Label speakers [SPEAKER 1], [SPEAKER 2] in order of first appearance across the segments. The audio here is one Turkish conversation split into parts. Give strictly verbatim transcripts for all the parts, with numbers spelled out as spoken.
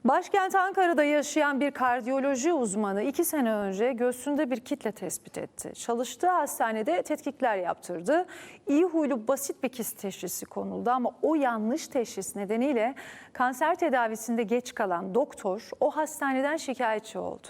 [SPEAKER 1] Başkent Ankara'da yaşayan bir kardiyoloji uzmanı iki sene önce göğsünde bir kitle tespit etti. Çalıştığı hastanede tetkikler yaptırdı. İyi huylu basit bir kist teşhisi konuldu ama o yanlış teşhis nedeniyle kanser tedavisinde geç kalan doktor o hastaneden şikayetçi oldu.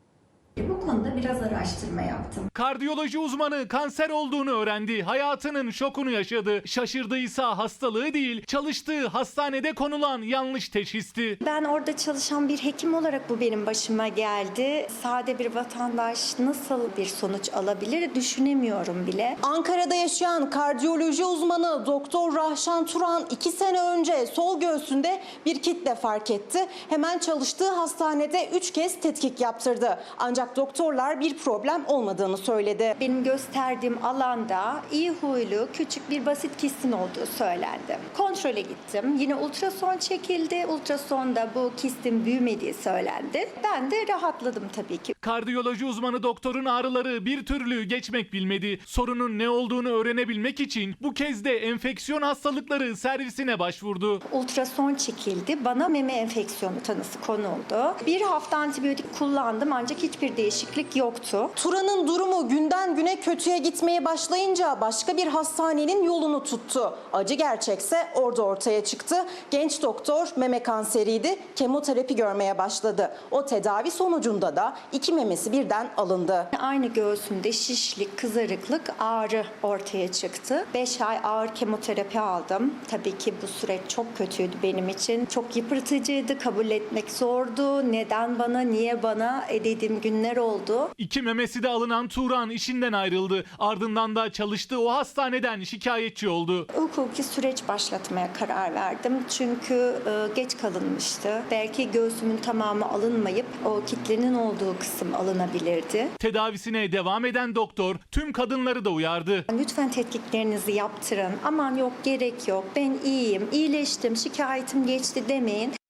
[SPEAKER 2] Bu konuda biraz araştırma yaptım.
[SPEAKER 3] Kardiyoloji uzmanı kanser olduğunu öğrendi. Hayatının şokunu yaşadı. Şaşırdıysa hastalığı değil, çalıştığı hastanede konulan yanlış teşhisti.
[SPEAKER 2] Ben orada çalışan bir hekim olarak bu benim başıma geldi. Sade bir vatandaş nasıl bir sonuç alabilir düşünemiyorum bile.
[SPEAKER 4] Ankara'da yaşayan kardiyoloji uzmanı Doktor Rahşan Turan iki sene önce sol göğsünde bir kitle fark etti. Hemen çalıştığı hastanede üç kez tetkik yaptırdı. Ancak doktorlar bir problem olmadığını söyledi.
[SPEAKER 2] Benim gösterdiğim alanda iyi huylu küçük bir basit kistin olduğu söylendi. Kontrole gittim. Yine ultrason çekildi. Ultrasonda bu kistin büyümediği söylendi. Ben de rahatladım tabii ki.
[SPEAKER 3] Kardiyoloji uzmanı doktorun ağrıları bir türlü geçmek bilmedi. Sorunun ne olduğunu öğrenebilmek için bu kez de enfeksiyon hastalıkları servisine başvurdu.
[SPEAKER 2] Ultrason çekildi. Bana meme enfeksiyonu tanısı konuldu. Bir hafta antibiyotik kullandım ancak hiçbir değişiklik yoktu.
[SPEAKER 4] Turan'ın durumu günden güne kötüye gitmeye başlayınca başka bir hastanenin yolunu tuttu. Acı gerçekse orada ortaya çıktı. Genç doktor meme kanseriydi. Kemoterapi görmeye başladı. O tedavi sonucunda da iki memesi birden alındı.
[SPEAKER 2] Aynı göğsümde şişlik, kızarıklık, ağrı ortaya çıktı. beş ay ağır kemoterapi aldım. Tabii ki bu süreç çok kötüydü benim için. Çok yıpratıcıydı, kabul etmek zordu. Neden bana, niye bana dediğim günler oldu.
[SPEAKER 3] İki memesi de alınan Turan işinden ayrıldı. Ardından da çalıştığı o hastaneden şikayetçi oldu.
[SPEAKER 2] Hukuki süreç başlatmaya karar verdim. Çünkü e, geç kalınmıştı. Belki göğsümün tamamı alınmayıp o kitlenin olduğu kısım alınabilirdi.
[SPEAKER 3] Tedavisine devam eden doktor tüm kadınları da uyardı.
[SPEAKER 2] Lütfen tetkiklerinizi yaptırın. Aman yok gerek yok. Ben iyiyim, iyileştim, şikayetim geçti demeyin.